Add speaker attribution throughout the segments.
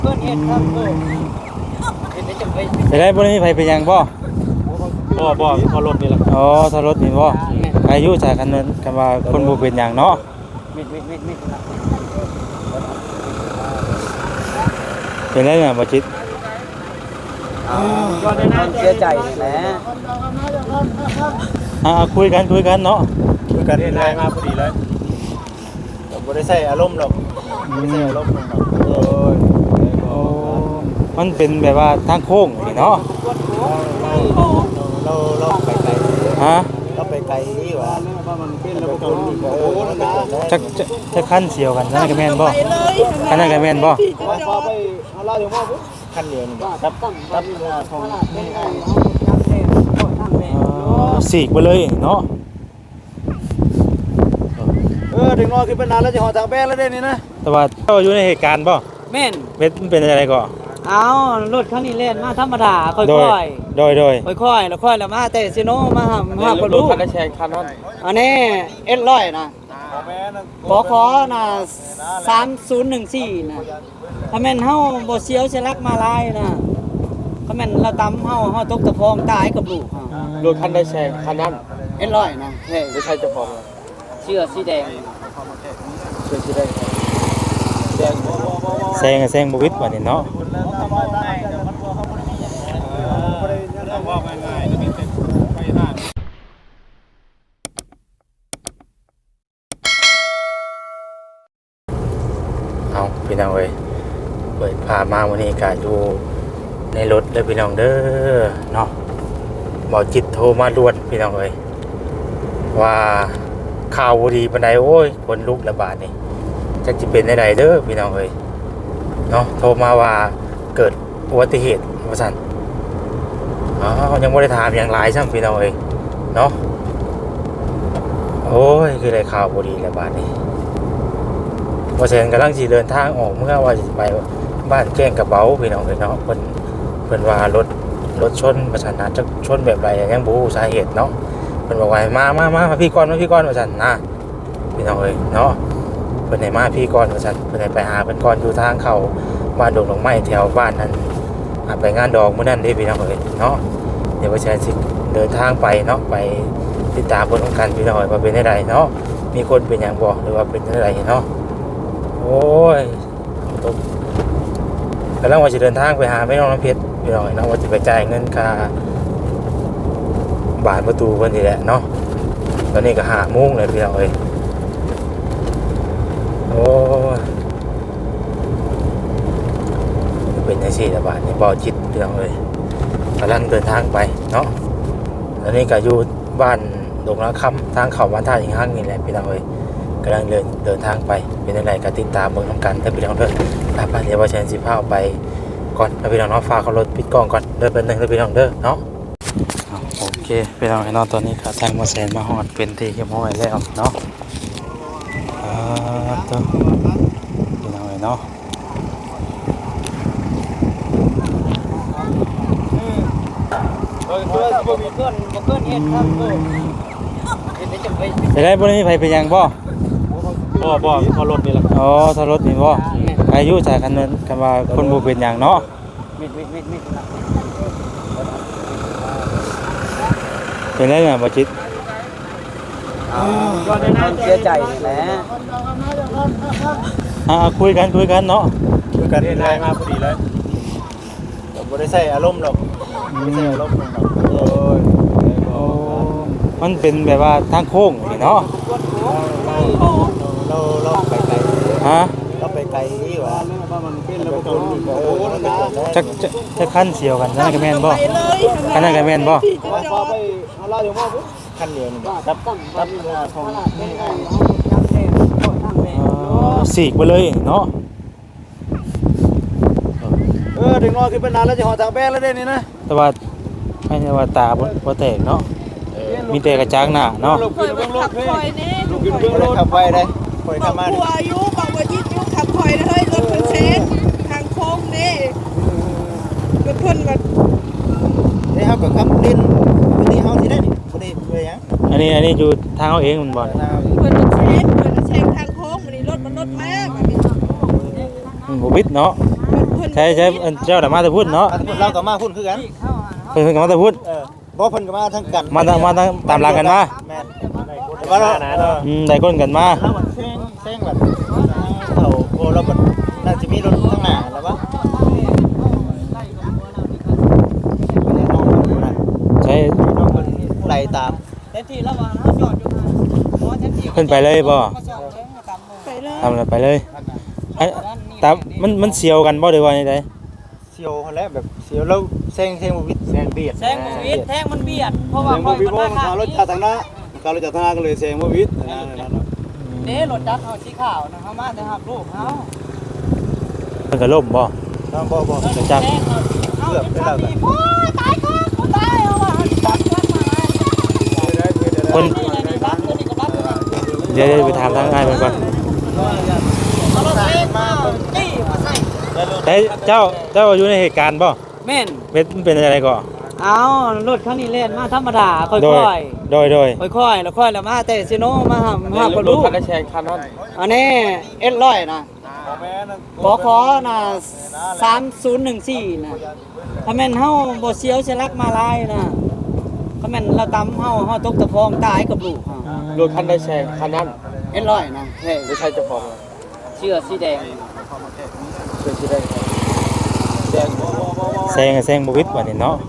Speaker 1: เพื่อนเฮ็ดครับเฮ็ดได้จังได๋
Speaker 2: ไปได้บ่ได้มีไผไปยังบ่
Speaker 3: พอรถนี่แหละ
Speaker 2: อ๋อถ้ารถนี่บ่อายุจากกันนั้นกันว่าคนบ่เป็นหยังเนาะเป็นได้น่ะบ่จิต
Speaker 1: เสียใจแหละ
Speaker 2: คุยกันเนาะ
Speaker 3: คือการได้มาพอดีเลยผมบ่ได้ใส่อารมณ์หรอกไม่ใส่อารมณ์หรอกโอ้ย
Speaker 2: โอ้มันเป็นแบบว่าทางโค้งนี่เนาะ
Speaker 3: เราไปไกล
Speaker 2: ฮะ
Speaker 3: เราไปไกลนี่หว่ามันเป็นระบบคนนี่ก็โอ้นะ
Speaker 2: จะคันเสียวกันนั่นก็แม่นบ่คันนั้นก็แม่นบ่
Speaker 3: พอไปเอาเล่าถึงว่าคันเดียวนี่ครับของ
Speaker 2: สีกไปเลยเนาะ
Speaker 3: ถึงน้อยขึ้นไปนานแล้วจะหอทางแบงแล้วได้นี่นะ
Speaker 2: แต่ว่าเจ้าอยู่ในเหตุการณ์ป่ะ
Speaker 1: แม่น
Speaker 2: เป็นอะไรก่อน
Speaker 1: เอารถคันนี้เล่นมาธรรมดาค่อยๆค่อยๆแล้วมาแต่ซิโนมาบ่รู้คันแชร์คันนั้นอันนี้S100นะขอน่ะ3014นะถ้าแม่นเฮาบ่เสียวเสลักมาลายนะถ้าแม่นเราตำเฮาตกตะพองตายกับลูก
Speaker 3: รถคันได้แชร์คันนั้น
Speaker 1: S100นะแท้
Speaker 3: ไม่ใช่เจ้าของ
Speaker 1: เสื้อสีแดง
Speaker 2: แซงบวิดวันนี้เนาะเอาพี่น้องเอ้ยเปิดพามาวันนี้ก็อยู่ในรถเลยพี่น้องเด้อเนาะบอกจิตโทรมาด่วนพี่น้องเอ้ยว่าข่าวดีปานใดโอ้ยคนลุกระบาดนี่จะเป็นได้เด้อพี่น้องเอ้ยเนาะโทรมาว่าเกิดอุบัติเหตุว่าซั่นยังบ่ได้ถามอย่างหลายซ้ำพี่น้องเอ้ยเนาะโอ้ยคือได้ข่าวบ่ดีระบาดนี่ว่าแซนกำลังสิเดินทางออกเมื่อว่าจะไปบ้านแก้งกระเป๋าพี่น้องเอ้ยเนาะเพิ่นว่ารถชนว่าซั่นน่าจะชนแบบใดยังบ่รู้สาเหตุเนาะเพิ่นบอกว่ามาพี่ก่อนว่าซั่นนะพี่น้องเอ้ยเนาะเพิ่นให้มาพี่ก่อนว่าซั่นเพิ่นให้ไปหาเพิ่นก่อนอยู่ทางเข้าบ้านดงดอกไม้แถวบ้านนั้นไปงานดอกมื้อนั้นเด้พี่น้องเอ้ยเนาะเดี๋ยวว่าจะสิเดินทางไปเนาะไปติดตามผลของกันพี่น้องเอ้ยว่าเป็นจังไดเนาะมีคนเป็นหยังบ่หรือว่าเป็นจังไดเนาะโอ้ยกำลังว่าจะเดินทางไปหาแม่น้องน้ำเพชรพี่น้องเอ้ยเนาะว่าจะไปจ่ายเงินค่าบานประตูเพิ่นนี่แหละเนาะตอนนี้ก็5 โมงเลยพี่น้องเอ้ยโอ้ยเป็นจังซี่ละบาดนี่บ่จิตพี่น้องเอ้ยกำลังเดินทางไปเนาะตอนนี้ก็อยู่บ้านดงละคำทางเข้าบ้านท่าหิงหังนี่แหละพี่น้องเอ้ยกำลังเดินทางไปเป็นจังไดก็ติดตามเบิ่งนำกันเด้อพี่น้องเด้อไปเดี๋ยวว่าฉันสิพาไปก่อนพี่น้องเนาะฝากเอารถปิดกล้องก่อนเด้อเป็นนึงเด้อพี่น้องเด้อเนาะโอเคพี่น้องให้นอนตอนนี้ขาทางมาแสนมาหอดเป็นที่เรียบร้อยแล้วเนาะตัวพี่น้องเนาะ
Speaker 1: เพื่อนเฮ็ดครับเฮ็ดได้จังได๋
Speaker 2: ไปได้บ่ได้มีไผไปยังบ่
Speaker 3: พอรถนี่แหละ
Speaker 2: อ๋อถ้ารถนี่บ่อายุจากกันนั้นกันว่าคนบ่เป็นหยังเนาะเป็นได้น่ะบ่จิต
Speaker 1: เสียใจแหละ
Speaker 2: คุยกันเนาะ
Speaker 3: คือการได้มาพอดีเลยผมบ่ได้ใส่อารมณ์หรอกไม่ใส่อารมณ์หรอกโอ้ย
Speaker 2: มันเป็นแบบว่าทางโค้งนี่เนาะ
Speaker 3: เราไปไกลเราไปไกลนี่หว่ามันเป็นระบบคนนี่ก็โอ้นะ
Speaker 2: จะคันเสียวกันนั่นก็แม่นบ่คันนั้นก็แม่นบ่
Speaker 3: พอไปเอาเล่าถึงว่าคันเดียวนี่ครับของ
Speaker 2: สีกไปเลยเนาะ
Speaker 3: ถึงน้อยขึ้นไปนานแล้วจะหอทางแบงแล้วได้นี่นะ
Speaker 2: แต่ว่าไม่ใช่ว่าตาบ่แตกเนาะมีแต่กระจังหน้าเนาะ
Speaker 3: ลูกขึ้นเบื้องรถลูกขึ้นเบื้องรถขับไปได้คอยขับมา
Speaker 4: หัวอายุบอกว่ายิดยุขับคอยเลยรถเพิ่นเซนทางโค้งนี่รถเพิ่นว่า
Speaker 3: ได้เฮาก็ขับดินวันนี้เฮาสิได้นี่บ่ได้เพื่อหยัง
Speaker 2: อันนี้อยู่ทางเฮาเองมันบ่
Speaker 4: เพิ่นเซนทางโค้งวันนี้รถมันรถมาก
Speaker 2: บ่วิดเนาะ
Speaker 4: รถ
Speaker 2: ใช่เจ้าน่ะมาแต่พูดเนาะ
Speaker 3: เราก็มาพุ่นคือกัน
Speaker 2: เพิ่นก็มาแต่พูด
Speaker 3: บ่เพิ่นก็มาทั้งกัน
Speaker 2: มาตามหลังกันมา
Speaker 3: แม่นว่าเรา
Speaker 2: ได้คนกันมา
Speaker 3: แล้วมันเซ็งแบบเขาโอ้เราแบบน่าจะมีรถข้างหน้าแล้ววะ
Speaker 2: ใช่
Speaker 3: น้องเพิ่นไล่ตาม
Speaker 1: เต็มที่แล้วว่าเฮาจอดอยู่นะบ่เต็มที่
Speaker 2: เพิ่นไปเลยบ่
Speaker 1: มาจอดเลยตามมือ
Speaker 4: ไปเลย
Speaker 2: ทำอะไรไปเลยไอ้ตามมันเสียวกันบ่ได้ว่าจังได๋
Speaker 3: เสียวเขาแล้วแบบเสียวแล้วเซ็งบ่วิดแซงเบียด
Speaker 1: แซงบ่วิดแทงมันเบียดเพราะว่าค่อยมันมาข้างนี้
Speaker 3: ทางหน้าการรถจากทางหน้าก็เลยแซงบ่วิด
Speaker 1: เด้รถจักรเฮาสีขาวนะเฮามาแต่หับลูกเฮา
Speaker 2: เพิ่นก็ล่มบ่
Speaker 3: น้องบ่
Speaker 2: จัก
Speaker 1: แซงเฮาเกือบได้แล้วโอ้ยตายครับกูตายเอาว่ะจับกันมา
Speaker 2: คน
Speaker 1: นี่นี่บักตัวนี้ก็บักตัวนี้
Speaker 2: เดี๋ยวไปถามทางอ้ายเพิ่นก่อน
Speaker 1: เอารถเองมาจี้มาใส่
Speaker 2: แต่เจ้าอยู่ในเหตุการณ์บ่
Speaker 1: แม่น
Speaker 2: มันเป็นอะไรก่อน
Speaker 1: เอารถคันนี้เล่นมาธรรมดาค่
Speaker 2: โด
Speaker 1: อย ย
Speaker 2: โดย
Speaker 1: ๆค่อยๆแล้วค่อยแล้วมาแต่ซิโนมาหาบ่รู้
Speaker 3: คันแชงคันนั้น
Speaker 1: อันนี้S100นะขอนะ3014นะถ้าแม่นเฮาบ่เสียวเสยหลักมาลายนะถ้าแม่นเราตำเฮาตกตะฟองตายกับลูกเฮาร
Speaker 3: ถคันได้แชงคันนั้น
Speaker 1: S100นะแท้
Speaker 3: ไม่ใช่เจ้าของ
Speaker 1: เสื้อสีแดง
Speaker 3: เป็นที่ได้แดงบ่
Speaker 2: แซงบ่วิดว่านี่เนาะ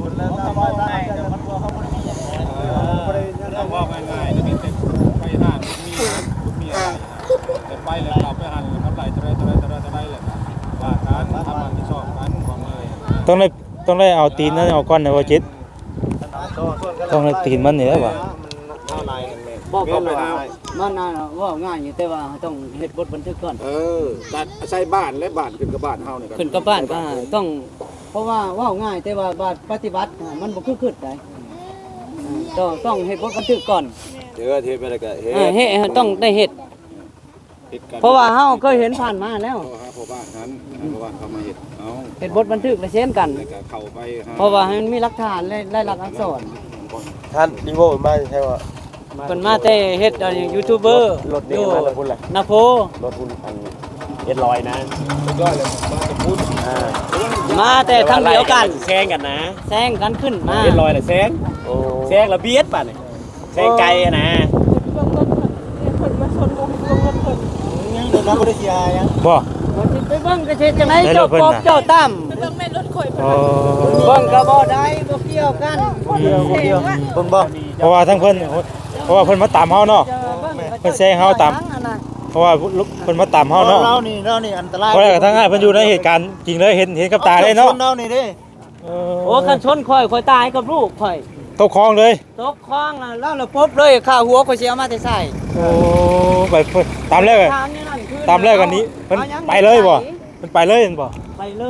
Speaker 5: ว่าง่ายๆจะเป็นเด็กไปห้างมีอะไรแต่ไปแล้วเราไปหันทำไรจะได้เลยว่าการทำมันที่ชอบการของเลย
Speaker 2: ต้องได้เอาตีนนั้นเอาก้อนในว่าจิตต้องได้ตีนมันนี่แล้วว่ะ
Speaker 1: บอกเขาว่ามันน่ะว่าง่ายอยู่แต่ว่าต้องเฮ็ดบทบันทึกก่อน
Speaker 5: ตัดใช้บ้านและบ้านขึ้นกับบ้านเฮาเนี่ย
Speaker 1: ขึ้นกับบ้านก็ต้องเพราะว่าว่าง่ายแต่ว่าบาดปฏิบัติมันบ่คือขึ้นได้ต้องเฮ็ดบทบันทึกก่อน
Speaker 5: เจอเทปไปแล้วก็เฮ็ด
Speaker 1: เฮ็ดต้องได้เฮ็ด
Speaker 5: กัน
Speaker 1: เพราะว่าเฮาเคยเห็นผ่านมาแล้ว
Speaker 5: หาพ่อบ้านนั้นพ่อบ้านเขามาเฮ็ดเอา
Speaker 1: เฮ็ดบทบันทึกและเช่นกัน
Speaker 5: แล้วก็เข้าไป
Speaker 1: เพราะว่าให้มันมีหลักฐานและหลักอักษร
Speaker 3: ท่านดีโวมาใช่ว่า
Speaker 1: เพิ่นมาแต่เฮ็ดยูทูบเบอร์
Speaker 3: รถนี่มาแล้วพุ่นแหละ
Speaker 1: นาโพ
Speaker 3: รถพุ่นอันS100นะ
Speaker 5: ย่อยเลยบ้านจะพูด
Speaker 1: มาแต่ทางเดียวกัน
Speaker 3: แซงกันนะ
Speaker 1: แซงกันขึ้นมา
Speaker 3: S100น่ะแซงแซงระเบียดป่ะนี่แซงไกลอะนะ
Speaker 4: เบิ่งรถเพิ่นมาชนวงรถเพิ่น
Speaker 3: ยังเดินทางบ่ได้เสียยัง
Speaker 2: บ่
Speaker 1: บ่สิไปเบิ่งก็เฮ็ดจังไดเจ้าปอบเจ้าตั้ม
Speaker 4: เบิ่งแม่รถข่อยเพิ่น
Speaker 2: อ๋อ
Speaker 1: เบิ่งก็บ่ได้บ่เกี่ยวกัน
Speaker 3: เดียวเบิ่งบ่
Speaker 2: เพราะว่าทั้งเพิ่นเพราะว่าเพิ่นมาตามเฮาเนาะ เพิ่นแซงเฮาตาม เพราะว่าเพิ่นมาตามเฮาเนาะ
Speaker 3: เรานี่อันตราย
Speaker 2: เพราะว่าทั้งอ้ายเพิ่นอยู่ในเหตุการณ์จริงเลยเห็นกับตาเลยเนาะ
Speaker 3: เรานี่เด้
Speaker 1: โอ้คันชนข่อยตายกับลูกข่อย
Speaker 2: ตกคลองเลย
Speaker 1: ตกคลองน่ะแล้วเราพบเลยข้าหัวข่อยสิเอามาแต่ใส่
Speaker 2: โอ้ไปเพิ่นตามแล้วกัน
Speaker 1: ทางนี้นั่นคือ
Speaker 2: ตามแล้วกันนี้เพิ่นไปเลยบ่เพิ่นไปเลยเห็นบ่
Speaker 1: ไปเลย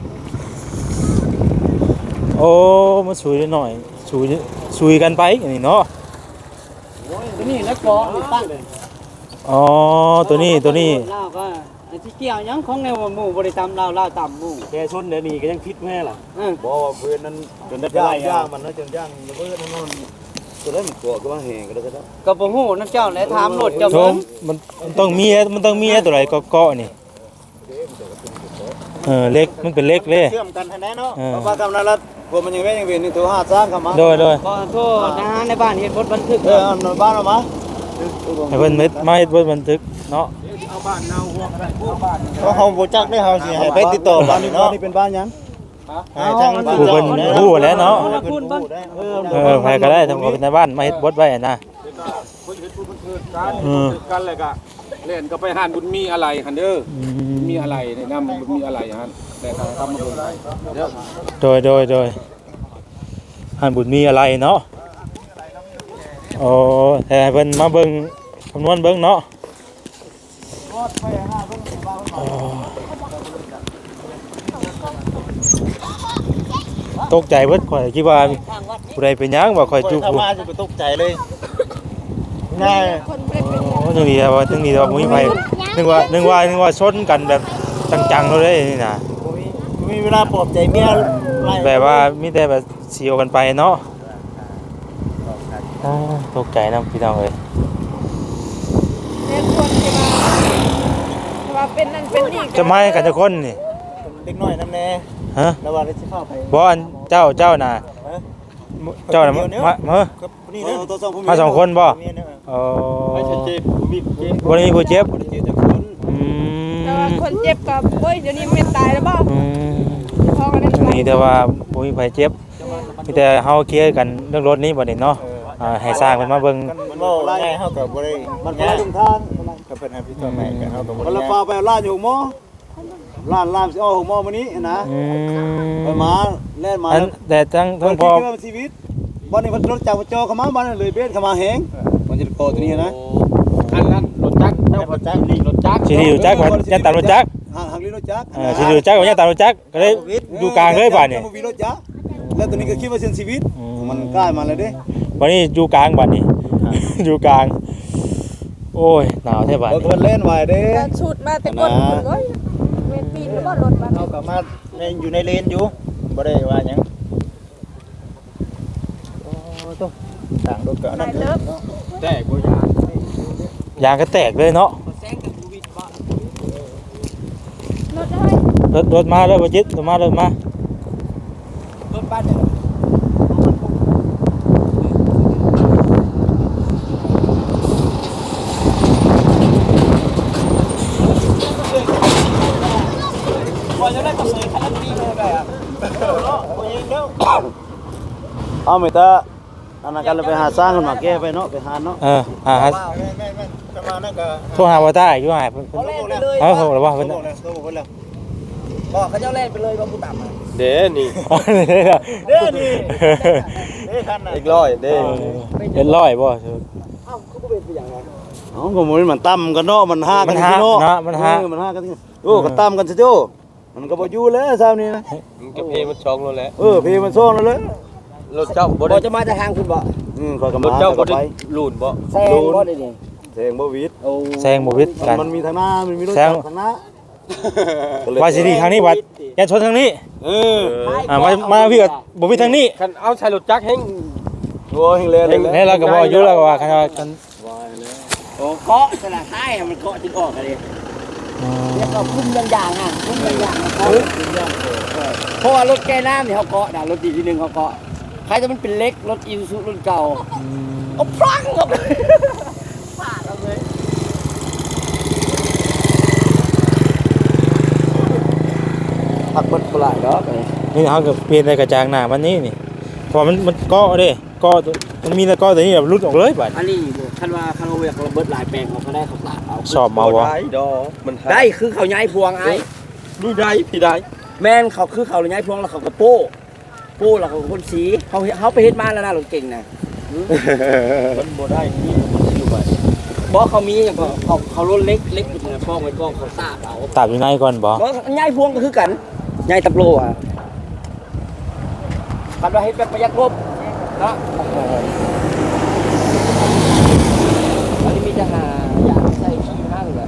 Speaker 2: โอ้มาช่วยหน่อยช่วยกันไปอย่างนี้เนาะ
Speaker 1: ตัวนี้แล้วก็ตั้ง
Speaker 2: อ๋อตัวนี้
Speaker 1: ลาวก็ไอ้ที่เกี่ยวหยังของแนวหมู่บ่ได้ตำลาวตำหมู่
Speaker 3: แกชนเดี๋ยวนี้ก็ยังคิดแม่ล่ะ
Speaker 5: บ่ว่าเพื่อนนั้นจนได้
Speaker 3: ย่างมันนะจนย่างระเบิดนั่น
Speaker 5: ตัวนั้นกลัวก็ว่าแหงก็ได้ครับ
Speaker 1: ก็บ่ฮู้นำเจ้าแหละถามรถเจ้า
Speaker 2: ช
Speaker 1: เบิ่
Speaker 2: ม
Speaker 1: ง
Speaker 2: มันต้องมีตัวไหนเกาะนี่เล็กมันเป็นเล็กเลย
Speaker 3: เชื่อมกันแน่เนาะเพราะว่ากำนันรัฐพวกมันยังเวียนนี่ตัว5สร้างเข้ามา
Speaker 2: โดย
Speaker 1: ขอโทษนะฮะในบ้านเฮ็ดบทบันทึก
Speaker 3: เอาบ้านออกมา
Speaker 2: ให้เพิ่นมาเฮ็ดบันทึกเนาะ
Speaker 5: เอาบ้านเนาหัวก็ได้เอาบ้าน
Speaker 3: เพราะเฮาบ่จักได้เฮาสิให้ไปติดต่อบ้านนี่เนาะนี่เป็นบ้านหยังให้ทางบ้าน
Speaker 2: ผู้เพิ่นฮู้แล้วเนาะ
Speaker 1: คุณบ้าน
Speaker 2: ใครก็ได้ทำกับในบ้านมาเฮ็ดบดไว้นะ
Speaker 5: คนเฮ็ดผู้บันทึกกันเลยก็เล่นก็ไปหานบุญมีอะไรหันเด้อมีอะไรในนำบุญมีอะไรหันแต่ทางทำมาบุญไปเด้อ
Speaker 2: โดยหันบุญมีอะไรเนาะโอ้แต่ให้เพิ่นมาเบิ่งคำนวณเบิ่งเนาะตกใจเบิดข่อยคิดว่าผู้ใดเป็นหยังว่าข่อยจุก
Speaker 3: เข้ามาจะตกใจเลยง่าย
Speaker 4: คนบ่ได้เป็น
Speaker 2: โอ้ถึงดีว่าบ่มีไผนึกว่าชนกันแบบจังๆเลยนี่น่ะ
Speaker 3: มีเวลาปลอบใจเมียไล่
Speaker 2: แบบว่ามีแต่แบบเสียวกันไปเนาะตกใจนะพี่น้องเอ้ย
Speaker 4: แม่ควรที่ว่าเป็นนั่นเป็นนี่
Speaker 2: จะมากันจะคนนี่
Speaker 3: เด็กน้อยนำแน่
Speaker 2: ฮะ
Speaker 3: ระหว่างที่เข้าไป
Speaker 2: บ่อันเจ้าน่ะเจ้าน่ะมา
Speaker 3: ครับนี่เด้อตัว2ผู้
Speaker 2: มาสองคนบ่อ๋อ
Speaker 3: ไม่ใช่เจ็บมีเจ็บ
Speaker 2: บ่ได้มีผู้เจ็บ
Speaker 3: บ่ได้เจ็บจักคน
Speaker 2: อืม
Speaker 4: แต่ว่าคนเจ็บกับเฮ้ยเดี๋ยวนี้ไม่ตายแล้วบ่
Speaker 2: อืม
Speaker 4: พ่อก็ได้
Speaker 2: นี่แต่ว่าบ่มีไผเจ็บมีแต่เฮาเคลียร์กันเรื่องรถนี้บัดนี้เนาะให้สร้างเพิ่นมาเบิ่ง
Speaker 3: มันบ่ง่ายเฮาก็บ่ได้มันคนละทางก็เพิ่นให้พี่ตัวแม่ก็เฮาก็บ่ได้ละฟ้าไปร้านอยู่หม้อร้านสิเอาหม้อมื้อนี้นะ
Speaker 2: อืม
Speaker 3: ไปมาแล่นมา
Speaker 2: อันแต่ทั้งพอ
Speaker 3: ชีวิตบ้านนี้มันรถจักรจอเข้ามาบ้านเลยเบนเข้ามาแหงมันจะโกตัวนี้นะ
Speaker 5: อันนั้นรถจักรเจ้ารถจักรนี่รถจักร
Speaker 2: สิอยู่จักว่ายันตามรถจัก
Speaker 3: หักลิ้นรถจักร
Speaker 2: สิอยู่จักว่ายันตามรถจักก็เลยอยู่กลางเลยบาดนี้
Speaker 3: มีรถจักรแล้วตัวนี้ก็คิดว่าเส้นชีวิตมันใกล้มาแล้วเด้
Speaker 2: วันนี้อยู่กลางบาดนี้ อยู่กลาง โอ้ยหนาวแท้บาด
Speaker 3: รถมันเล่นไว้เด้
Speaker 4: ก็ชุดมาแต่ก้นคนเว้ยเวทปีนแล้วบ่รถมา
Speaker 3: เอากลับมาอยู่ในเลนอยู่บ่ได้ว่าหยังโอ้ตัวต่างรถก็นั่น
Speaker 5: แต่บ่ยาก
Speaker 2: ยางก็แตกเลยเนาะ
Speaker 4: รถได้
Speaker 2: รถมาแล้วบ่จิตรถมา
Speaker 3: รถบ้านเนี่ย เอาไม่ตาอันนั้นกันเราไปหาสร้างขึ้นมาแก้ไปเนาะไปหาเนาะ
Speaker 2: ฮะ
Speaker 3: แม่จะมานั่นก็
Speaker 2: โทรหาว่าตาอยู่หายเพิ่น
Speaker 3: เขาเล่นไปเลย
Speaker 2: เออโทรแล้วว่าเพิ่น
Speaker 3: บอกแล้วบอกเขาเจ้าเล่นไปเลยว่าผู้ต่ำ
Speaker 5: เด้นี่
Speaker 3: เด้นี่เด้คันน่ะ
Speaker 5: อีกร้อยเด้
Speaker 2: เป็นร้อยบ่
Speaker 3: อ๋อก็มันต่ำกันเนาะมันห้ากัน
Speaker 2: มันห้า
Speaker 3: มันห้ากันโอ้ก็ต่ำกันซะโจ้มันก็บ่อยู่แล้วซาวนี้นะ
Speaker 5: มันก็เพมันช่องแล้วแหละ
Speaker 3: เพมันซ่องแล้วเลย
Speaker 5: รถเจ้าบ่
Speaker 1: บ่
Speaker 5: ได้
Speaker 1: จะมาจะทางคุณบ่
Speaker 3: คอยก็
Speaker 5: ร
Speaker 3: มา
Speaker 5: ถเจ้าบ่
Speaker 3: ก็
Speaker 5: ได้
Speaker 3: ไป
Speaker 5: ลูนบ่
Speaker 1: แซงบ่ได้นี่
Speaker 3: แซงบ่วิด
Speaker 1: โอ้
Speaker 2: แซงบ่วิดกัน
Speaker 3: มันมีทางหน้ามันมีรถ
Speaker 2: แซง
Speaker 3: ทางหน้า
Speaker 2: ว่าสิดีทางนี้บัดอย่าชนทางนี้ มาพี่ก็บ่มีทางนี้
Speaker 5: คันเอาใช้รถจักรแฮง
Speaker 3: โอ้ยเล่นเลย
Speaker 2: นี่เราก็บ่อยู่แล้วก็ว่าคันว่ากัน
Speaker 1: โอ้เกาะสละท้ายมันเกาะจนออกกันเลยเรียกว่าคุ้มอย่างๆอ่ะคุ้มอย่างๆนะครับเพราะว่ารถแก้น้ำนี่เขาเกาะนะรถดีที่นึงเขาเกาะใครจะมันเป็นเล็กรถอีซูรุ่นเก่าเอาพลังออกเลยฟาดเอาเลย
Speaker 3: พักเบิดบ่หลายดอก
Speaker 2: นี่เฮาก็เปลี่ยนได้กระจางหน้ามันนี่พอมันเกาะเด้เกาะมันมีแต่เกาะตัวนี้แบบหลุดออกเลยบัด
Speaker 1: อันนี้คันว่าคันว่าเวกระเบิดหลายแปลงเขาก็ได้เขาตัดเอา
Speaker 2: สอบมาบ่
Speaker 5: ได้ดอกมัน
Speaker 1: ได้คือเขาย้ายพวงไอ้
Speaker 5: ดูได้พี่ได้
Speaker 1: แม่นเขาคือเขาย้ายพวงแล้วเขาก็โป้แล้วเขาคนสีเขาไปเฮ็ดมาแล้วนะรถเก่งนะ
Speaker 5: มันบ่ได้นี่อยู่ไป
Speaker 1: บอกเขามีอย่างก็เขารถเล็กอยู่นะป้องไว้ป้องเขาตาเอา
Speaker 2: ตามอยู่ในก่อนบ่
Speaker 1: บอกย้ายพวงก็คือกันย้ายตะโลอ่ะคันว่าเฮ็ดแบบประหยัดงบนะอันนี้มีจะหาอยากใส่ขี้ห้างเลย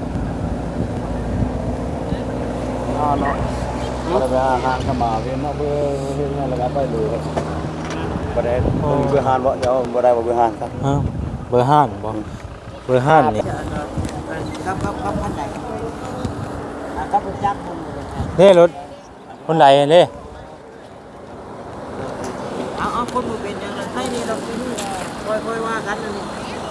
Speaker 3: เนาะเราไปหาเข้ามาเวียนเนาะเพื่อเฮ็ดงานแล้วก็ไปเลยบ่ได้เพื่อหานบ่เดี๋ยวบ่ได้บ่เพื่อหานครับ
Speaker 2: ฮะเบอร์5บ่เบอร์5นี่
Speaker 1: ครับพันใดครับผมจักผม
Speaker 2: นี่รถคนใดเด้
Speaker 1: เอาคนมือเป็นยังไงให้นี่เราค่อยว่ากันนี่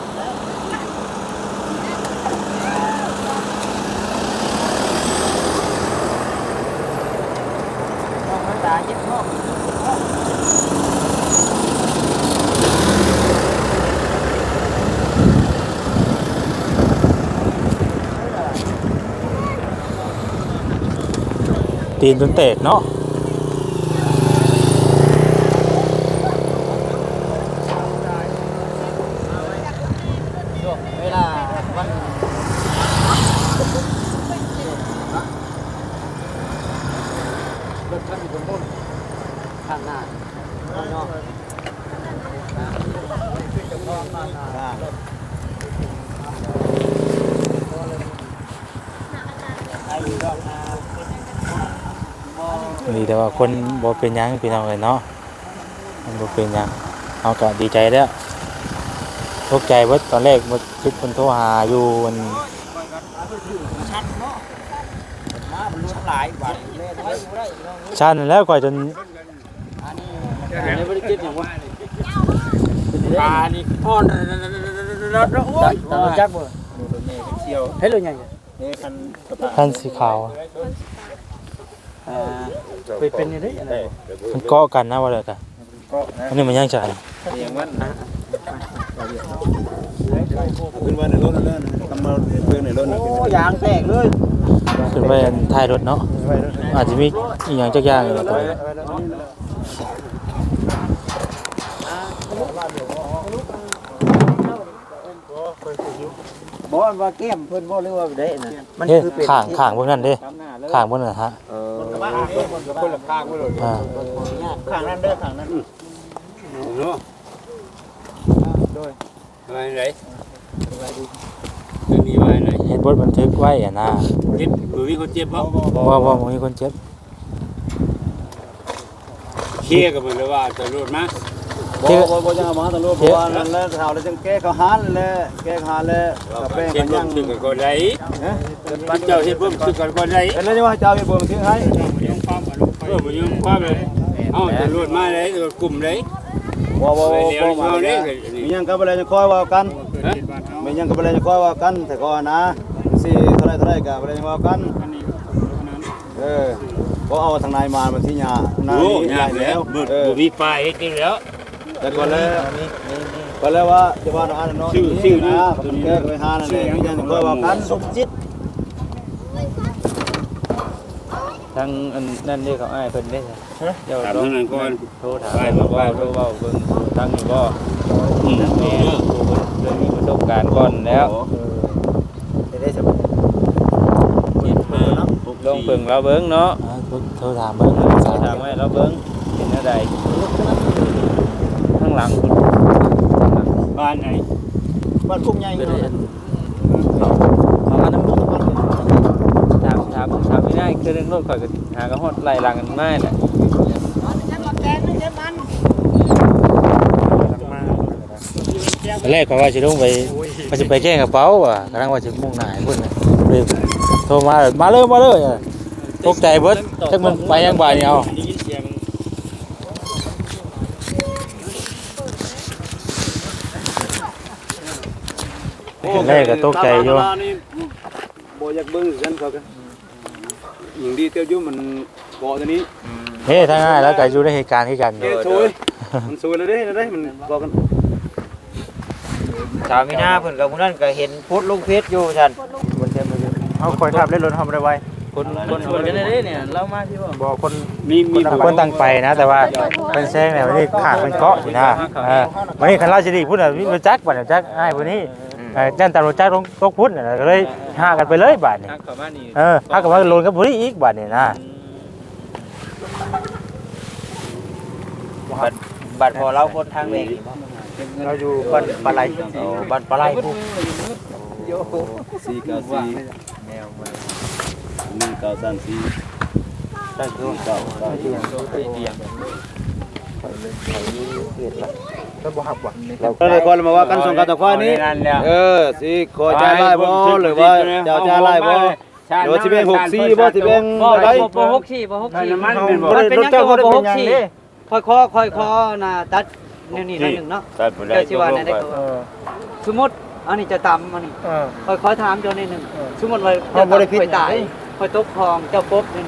Speaker 1: ธรรมดาเย็บพ่อ
Speaker 2: ตีนจนเตกเนาะ
Speaker 1: เวลาวันรถคันอยู่บนต้นข้างหน้าข้างนอก
Speaker 2: ดีแต่ว่าคนบ่เป็นหยังพี่น้องเอ้ยเนาะมันบ่เป็นหยังเฮาก็ดีใจแล้วตกใจเบิดตอนแรกบ่คิดเพิ่นโทรหาอยู่มัน
Speaker 1: ชัดเนาะมาบรรลุหหลายบาทเล่นไว้บ่ได้
Speaker 2: ชันแล้วก่อยจน
Speaker 1: อันนี้บ่ได้คิดหยังวะปลานี่อ่อนโอ้ยจักบ่เชียวเฮ็ดเลยใหญ่นี่คัน
Speaker 2: คันสีขาว
Speaker 1: เป็นยังไงอะไร
Speaker 2: มันเกาะกันนะว่าเลยกันอันนี้มันย่างจาน
Speaker 1: เสียงมันนะ
Speaker 3: ขึ้นมาในรถนั่นทำมาเพื่อนในรถนั่น
Speaker 1: โอ้ยางแตกเลย
Speaker 2: ขึ้นไปท้ายรถเนาะอาจจะมีอีกอย่างจักอย่างอยู่ตัวนี้
Speaker 1: บ่ว่าแก้มเพิ่นบ่หรือว่าได้นะมัน
Speaker 2: เฮ้ย
Speaker 1: คือเป็น
Speaker 2: ข้างพวกนั้นเด้ข้างพวกนั้นฮะ
Speaker 3: คนละข้างไว้เลย
Speaker 2: อ่า
Speaker 1: ข้างนั้นเด้อข้างนั้น
Speaker 3: เนาะอะไรไหนนี่ไว้ไหน
Speaker 2: เห็นบทบันทึกไว้อะนะ
Speaker 3: เจ็บหรือมีคนเจ็บบ้าง
Speaker 2: ว่ามีคนเจ็บ
Speaker 3: เคลียร์กันเลยว่าจะรถมาบ่ยังมาตำรวจบ่ว่านั่นแหละข่าวแล้วจังแก้เขาหานแล้วแก้หานแล้วกับแป้งกันยังถึงกันได้ฮะเจ้าเฮ็ดบ่ถึงกันก็ได้แล้วจะว่าเจ้าเฮ็ดบ่ถึงให้บ่ยังความเลยเอ้าตำรวจมาเลยกลุ่มเลยบ่มาเลยมียังก็บ่ได้จะคอยว่ากันมียังก็บ่ได้จะคอยว่ากันแต่ก็นะสิเท่าไรก็บ่ได้ว่ากันก็เอาทางนายมาที่หญ้านานี้ใหญ่แล้วมีป้ายให้กินแล้วแต่ก่อนแล้วว่าจะว่าอันนั้นชื่อนะผมแก้ไปหานั่นแหละมีอย่างก็ว่ากันสมจิต
Speaker 1: ทางนั่นนี่เขาอ้ายเพิ่นได้เจ้า
Speaker 3: ถาม
Speaker 1: ต้อง
Speaker 3: นั่นก่อน
Speaker 1: โทรถามว่าโทรเว้าเบิ่งทางนี้บ่แม่เรื่องมีประสบการณ์ก่อนแล้วได้สบายลงเบิ่งเราเบิ่งเนาะ
Speaker 2: โทรถามเบิ่ง
Speaker 1: ถามไว้เราเบิ่งเป็นจังไดข้างหลัง
Speaker 3: บ้านไหนบ้านพุ่งใหญ่
Speaker 1: เป็นอันนั้นถามไม่ได้คือเรื่องรถข่อยก็หากระฮอดไล่หลังกันมาแหละ
Speaker 2: แรกก็ว่าจะลงไปว่าจะไปแก้กระเป๋าอ่ะกำลังว่าจะมุ่งหน้าให้เพิ่นน่ะเลยโทรมาเลยตกใจเบิดจักมันไปยังบ่ายนี่เอาแรกก็ตกใจอยู่
Speaker 3: บ่อยากเบิ่งกันเขากันอย่างดีเตี้ยวอยู่มันเกาะตัวนี้
Speaker 2: เฮ้ถ้าง่ายแล้วก็อยู่ในเหตุการณ์คือกัน
Speaker 3: เฮ้ยช่วยมันช่วยเลยเด้มันเกาะกัน
Speaker 1: สาวมีหน้าเพิ่นกับผู้นั้นก็เห็นโพสต์ลงเฟซอยู่ซั่นเฮาคอยทับเล่นรถเฮาบ่ได้ไว้คนกันได้เนี่ยเรามาที่บ่คน
Speaker 2: คนตั้งไปนะแต่ว่าเป็นแซงเนี่ยวันนี้ขาดเป็นเกาะอยู่นะวันนี้คันราชดีพุ่นน่ะรู้จักบัดจักอ้ายผู้นี้จันตำรวจจักตกพุ่นน่ะก็เลยหากันไปเลยบาดนี้หากันว่าโลนกับผู้นี้อีกบาดนี้นะ
Speaker 1: บัดพอเราคนทางเวงเราอยู่บ้านปลาไหลบ้านปลาไหลปุ๊บ
Speaker 3: 494แนวมา1934ได้คือเก่าเราคนมาว่ากันส่งกันตะควายนี้สิขอจ่ายไล่บ่หรือว่าเจ้าจ่ายไล่บ่หรือว่าสิแบ่ง64บ่สิแบ่งอะไร
Speaker 1: บ่64มันเป็นยังก็บ่64ค่อยน่ะตัดแนวนี้หน่อยนึงเนาะเดี๋ยวสิว่าได้ก็สมมุติอันนี้จะตำอันนี้ค่อยถามเจ้านิดนึงสมมุติว่าเจ้าบ่ได้ผิดตายค่อยตกคลองเจ้าปบนี่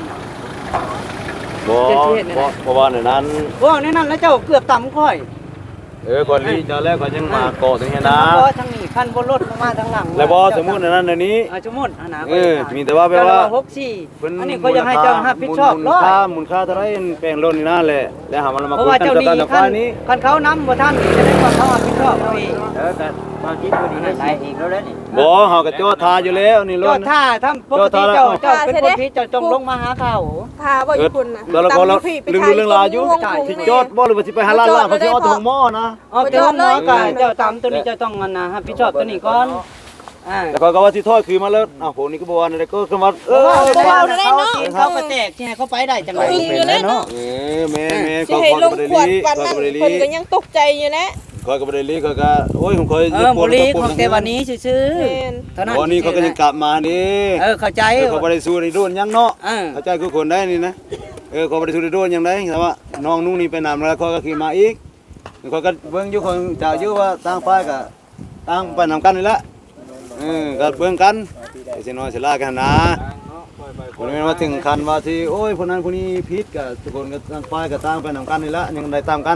Speaker 3: เพราะว่าในนั้น
Speaker 1: โอ้ในนั้นแล้วเจ้าเกือบตำค่อย
Speaker 3: ก่อนที่จะแรกก็ยังมาเกาะตรงนี้นะ
Speaker 1: บ่ทางนี้คันบ่รถมาทางหลัง
Speaker 3: แล้วบ่สมมุติในนั้นในนี้
Speaker 1: สมมุตินะ
Speaker 3: มีแต่ว่าแปลว่า
Speaker 1: 64อันนี้ก็ยังให้เจ้ารับผิดชอบร้อย
Speaker 3: มูลค่าเท่าไรแปลงล้นนี่นั่นแหละแล้วหามันมา
Speaker 1: เพราะ
Speaker 3: คุย
Speaker 1: ว่า
Speaker 3: กัน
Speaker 1: เจ้า
Speaker 3: กับ
Speaker 1: นี่
Speaker 3: ตาตะควายนี้
Speaker 1: คันเขานำบ่ทันจะได้ว่าเขารับผิดชอบพี่แต่มาคิดบ่ดีได้อีกแล้วนี่
Speaker 3: บ่เฮาก็จอดทาอยู่แล้วนี่ล้
Speaker 1: เจ้าน ท่าทำปกติเจ้าเป็นคนผิดเจ้าจงลงมาหาเขา
Speaker 4: พาบ่อยู่คุณน่ะ
Speaker 3: แล้วก็เรื่องราวอยู่ที่จอดบ่หรือว่าสิไปหาล้านเขาสิเอาถุงหม้อนะ
Speaker 1: เอาแต่ห้องหมอก็เจ้าตามตัวนี้เจ้าต้องรับผิดชอบตัวนี้ก่อน
Speaker 3: แล้วก็ว่าสิถอยคือมาแล้วผมนี่ก็บ่ว่าอะไรก็คือว่า
Speaker 1: เขาก็แตกที่ให้เขาไปได้จังได๋
Speaker 3: แม่
Speaker 4: สิให้ลงขวดปั่นนั่นเพิ่นก็ยังตกใจอยู่แหละ
Speaker 3: คอยก็บ่ได้ลีคอยก็โอ้ยผมคอย
Speaker 1: บุรีของเทวันนี้ซื่อ
Speaker 4: แม่น
Speaker 1: ๆเท่านั้น
Speaker 3: วันนี้เขาก็ยังกลับมานี่
Speaker 1: เข้าใจ
Speaker 3: เขาบ่ได้สู้ในโดนยังเนาะ
Speaker 1: เออ
Speaker 3: เข้าใจคือคนได้นี่นะเขาบ่ได้สู้ในโดนยังได้แต่ว่าน้องนุ่งนี่ไปนำแล้วเขาก็ขี่มาอีกเขาก็เบิ่งอยู่คนเจ้าอยู่ว่าต่างฝ่ายก็ต่างไปนำกันนี่แหละก็เบิ่งกันสิน้อยสิลากันนะบ่แม่นว่าถึงขั้นว่าที่โอ้ยคนนั้นคนนี้ผิดก็ทุกคนก็ต่างฝ่ายก็ต่างไปนำกันนี่แหละยังได้ตามกัน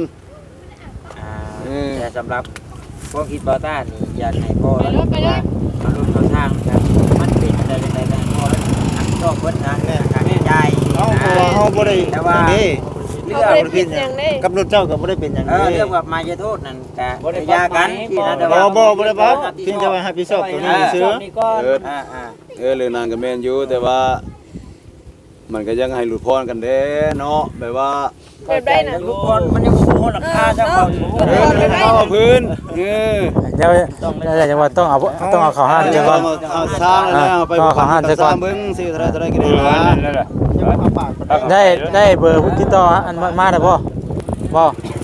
Speaker 6: แต่สำหรับพวกคิดบอต้านี่อยากให้พ่อ
Speaker 4: ไปเลยไปเลย
Speaker 6: มาลุ้นเขาทางครับมันเป็นอะไรแต่พ่ออันชอบเพิ่นนะการใจ
Speaker 3: เฮาบ่ได้
Speaker 6: แต่ว่า
Speaker 4: เขาบ่ได้ผิดหยังเด้
Speaker 3: กับรถเจ้าก็บ่ได้เป็นหยัง
Speaker 6: เรื่องกับมายาโทษนั่นก็ยากันที่นะแต่
Speaker 3: บ่
Speaker 6: ว่า
Speaker 3: บ่ได้บับเพียงแต่ว่าให้พี่ชอบตัวนี้ซื้อ เรื่องนางก็แม่นอยู่แต่ว่า มันก็ยังให้หลุดพ้นกันเด้เนาะแบบว่า
Speaker 4: แบบได้น่ะ
Speaker 6: ลูกบอลมันยังโหราคาเจ้าเขาอยู่
Speaker 3: เข้าพื้น
Speaker 2: เดี๋ยวจังว่าต้องเอาเข้าห้านจังว่า
Speaker 3: เอาสร้างแล้วเอาไปสร้างเบิ่งสิเท่าไรก็ได้นะ
Speaker 2: ได้เบอร์ติดต่ออันมาได้บ่บ่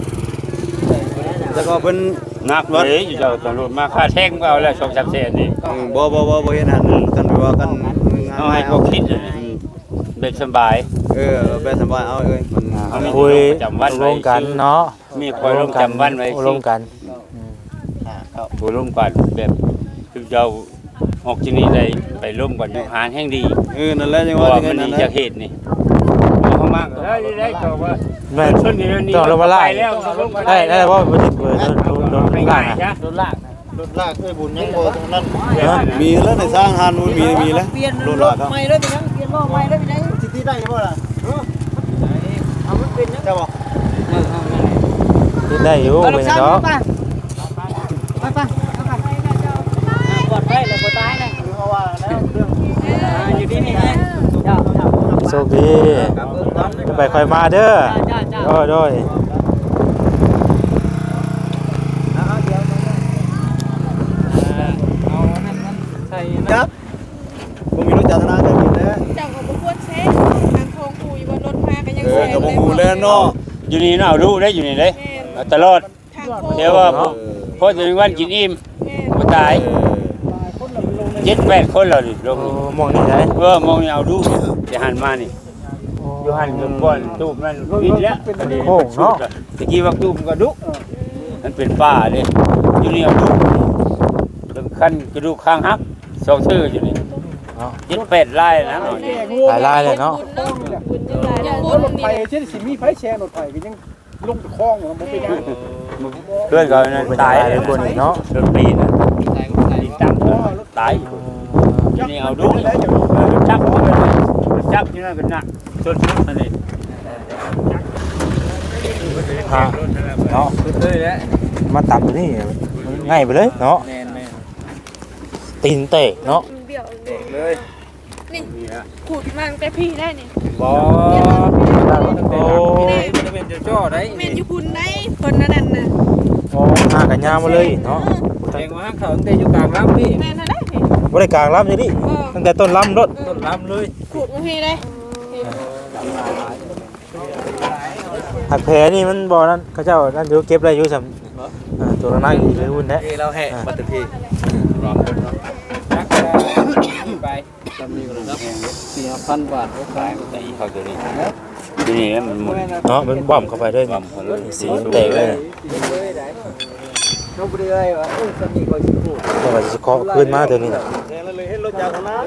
Speaker 3: แล้วก็เพิ่น
Speaker 5: นักเลยอยู่เจ้าตำรวจมาค่าแท่งก็เอาแล้ว2-3แสนนี่
Speaker 3: บ่เห็นหันกันว่ากัน
Speaker 5: เอาให้เขาคิดเป็นสบาย
Speaker 3: แบบสบายเอาเอ้ยมัน
Speaker 2: คุยร่วมกันเนาะ
Speaker 5: มีคอยลงจำวันไว้
Speaker 2: ร่วมกัน
Speaker 5: ผู้ร่วมกันแบบคือเจ้าออกที่นี่ได้ไปร่วมกันอยู่หารแห่งดี
Speaker 3: นั่นแหละจัง
Speaker 5: เพ
Speaker 3: ว่า
Speaker 5: ราะว่า
Speaker 3: จัง
Speaker 5: มัน
Speaker 3: นั้
Speaker 5: มี
Speaker 3: น
Speaker 5: จากเหตุนี่เขามากได้ก็ว่า
Speaker 2: แม่น
Speaker 5: ชนนี่นี่
Speaker 2: ต้องลงมาไล่
Speaker 5: แล้ว
Speaker 2: ได้บ่บ่ติดเบอร์โดน
Speaker 5: ไม่
Speaker 2: ล่า
Speaker 5: ง่าย
Speaker 2: นะ
Speaker 5: จ้ะโดนลาก
Speaker 3: มีแล้วในสร้างหันมีแล้ว
Speaker 1: เปลี่ยน
Speaker 3: โดน
Speaker 1: ร
Speaker 3: ลา
Speaker 1: ถ
Speaker 3: ครับ
Speaker 1: ใหม่เลยไปยังเปลี่ยนล้อใหม่เลยไปยัง
Speaker 3: สิที่ได้บ่ล่ะ
Speaker 1: เอามันเป็นยัง
Speaker 3: เจ้าบ่
Speaker 2: ติดได้อยู่
Speaker 1: เอาลู
Speaker 2: เป็
Speaker 1: ก
Speaker 2: น
Speaker 1: สาว
Speaker 2: เนาะ
Speaker 1: ไปปลอดภัยแล้วบ่ตายนะอยู่ที่นี่ไงเจ้า
Speaker 2: โชคดีไปค่อยมาเด้อ
Speaker 1: จ้า
Speaker 2: โดย
Speaker 3: ครับผมมีรถจักรยานก็มีแล้ว
Speaker 4: เจ้าก็บ่ควรเช็คทางโค้งกูอยู่บนรถมาก็ยัง
Speaker 3: ก็
Speaker 4: แซง
Speaker 3: บ่ฮู้แล้วเนาะ
Speaker 5: อยู่นี่น่ารู้ได้อยู่นี่เลย
Speaker 4: แม่น
Speaker 5: ตลอด
Speaker 4: ทางโค้ง
Speaker 5: เดี๋ยวว่าพอถึงวันกินอิ่ม
Speaker 4: แม่น
Speaker 5: บ่ตาย7-8คนแล้วนี่ลง
Speaker 2: มองนี่ได้
Speaker 5: มองนี่เอาดูจะหันมานี่อยู่หันจนก้อนตูบนั่นปิดแล้วตะกี้ว่าตูบก็ดุมันเป็นป่าเลยอยู่นี่เอาดุถึงขั้นกระดูกข้างหักสองชื่ออยู่นี่7-8ลายนะหน่อย
Speaker 2: หลายเลยเนาะ
Speaker 4: บุญจังหลายอย่างบุญ
Speaker 5: รถไฟ
Speaker 4: นี่
Speaker 5: เช่นสิมีไฟแชร์รถไฟก็ยังลงคลองมันเป็นยังเพื่อนก็นั่นตายเลยคนเนาะรถปีนปีนตั้งตายอยู่นี่เอาดุจับอยู่นั่นก็หนักชนนั่นเอง
Speaker 2: เนาะมาตับตัวนี้ง่ายไปเลยเนาะตีนเตะเนาะ
Speaker 4: เบี้ยวเลยนี่ขูดมันไปพี่ได้นี่
Speaker 5: บ่
Speaker 2: โอ้
Speaker 6: เป็นเจ้าจ้อได้
Speaker 4: แม่นอยู่คุณได้คนนั้นน่ะ
Speaker 2: โหหากันยาวมาเลยเนาะ
Speaker 6: แข่งมาเขาตั้งแต่อยู่กลางลำพี่
Speaker 4: แม่นนั่นแหละพี่
Speaker 2: บริการล้ำอย่างนี้ตั้งแต่ต้นล้ำรถ
Speaker 6: ต้นลำเลย
Speaker 4: ขูดมาพี่ได้
Speaker 2: หักแผลนี่มันบ่อนั่นเขาเจ้านั่นอยู่เก็บอะไรอยู่สำตัวนั้นอยู่ในหุ้นแท้
Speaker 6: เราแห่มาตึกพี่ไป
Speaker 1: 4,000 บาท
Speaker 5: ขายก็ตีเขาตัวนี้ทีนี้มันหมด
Speaker 2: เนาะมันบ่อมเข้าไปด้วย
Speaker 5: ความเขาเลย
Speaker 2: สีเตะเลย
Speaker 1: เขาบ่ได้เลยว่าสามีก็สิพูด
Speaker 2: แต่ว่าจะเคาะขึ้นมาตัวนี้นะ
Speaker 3: เลยเห็นรถจักรยาน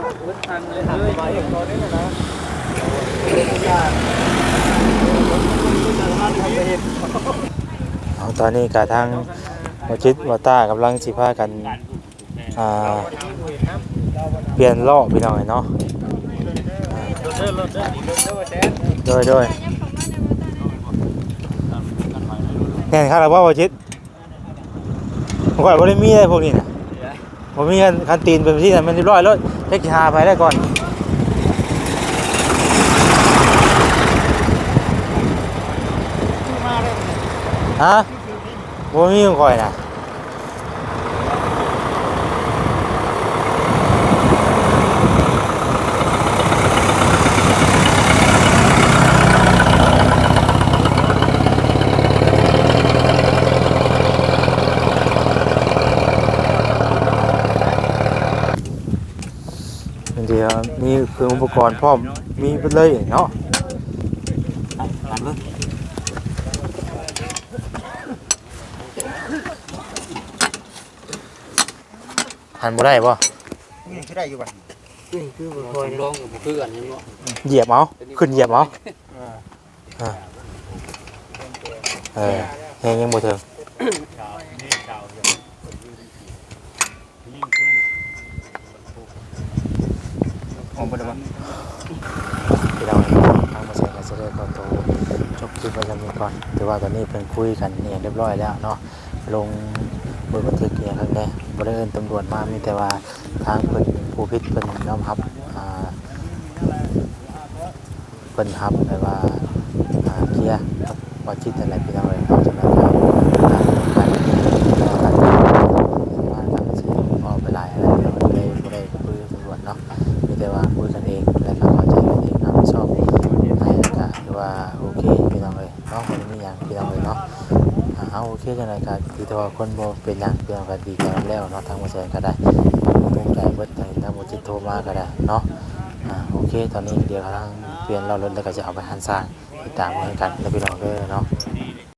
Speaker 2: เอาตอนนี้กะทางวชิตวาต้ากำลังสิพากันเปลี่ยนล้อพี่น้องเนาะโดยแน่นครับแล้วว่าวชิตผมก่อนว่าได้มีอะไรพวกนี้นะผมมีคันตีนเป็นที่นั่นมันเรียบร้อยแล้วเช็คหาไปได้ก่อนฮะผมมีของก่อยนะเครื่องอุปกรณ์พร้อมมีไปเลยเนาะ
Speaker 1: ตามเลย
Speaker 2: หันบ่ได้บ่
Speaker 6: นี่คือได้อยู่บัด
Speaker 1: นี่คือบ่คอยร้องกับบ่คือกันนี่เนาะ
Speaker 2: เหยียบเอาขึ้นเหยียบเอายังบ่ถึงที่เราทางมาใช้กันเสด็จก่อนโตจบคลิปไว้แล้วนี้ก่อนถือว่าตอนนี้เพิ่นคุยกันเนี่ยเรียบร้อยแล้วเนาะลงบนบันทึกเนี่ยครับแน่บ่ได้เอิ้นตำรวจมามีแต่ว่าทางเพิ่นผู้ผิดเพิ่นยอมรับเพิ่นรับแต่ว่าเคลียร์ว่าจิตอะไรพี่น้องเอ้ยเอาจังได๋ครับการว่าการสิออกไปหลายอะไรบ่ได้คุยตำรวจเนาะมีแต่ว่าคุยกันเองแล้วก็เข้าใจกันเองนะชอบให้แล้วก็ถือว่าโอเคพี่น้องเอ้ยเนาะบ่ได้มีหยังพี่น้องเอ้ยเนาะเอาโอเคจังได๋ก็คือแต่ว่าคนบ่เป็นหยังพี่น้องก็ดีใจแล้วเนาะทางบ่แซงก็ได้ตรงใจเบิดทางบ่จิตโทรมาก็ได้เนาะโอเคตอนนี้เดี๋ยวทางเปลี่ยนเรารถแล้วก็จะเอาไปหันสร้างติดตามกันแล้วพี่น้องเด้อเนาะ